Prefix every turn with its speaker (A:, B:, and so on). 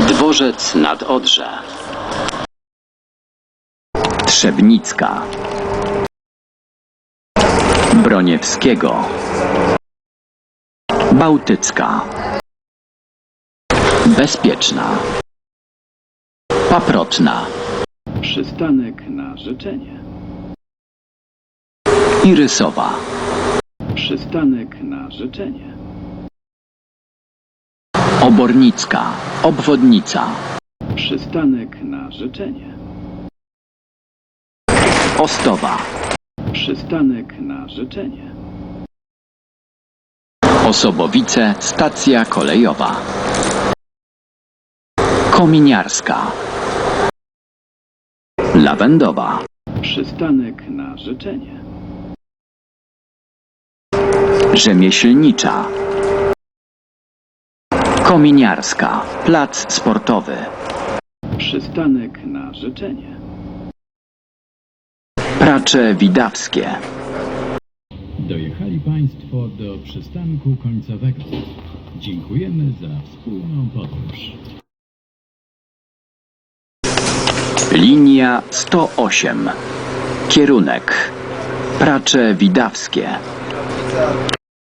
A: Dworzec nad Odrze.
B: Trzebnicka. Broniewskiego. Bałtycka. Bezpieczna. Paprotna.
A: Przystanek na życzenie.
B: Irysowa.
A: Przystanek na życzenie.
B: Obornicka. Obwodnica.
A: Przystanek na życzenie.
B: Ostowa.
A: Przystanek na życzenie.
B: Osobowice. Stacja kolejowa. Kominiarska. Lawendowa.
A: Przystanek na życzenie.
B: Rzemieślnicza. Kominiarska. Plac sportowy.
A: Przystanek na życzenie.
B: Pracze Widawskie.
C: Dojechali Państwo do przystanku końcowego. Dziękujemy za wspólną podróż.
B: Linia 108. Kierunek Pracze Widawskie.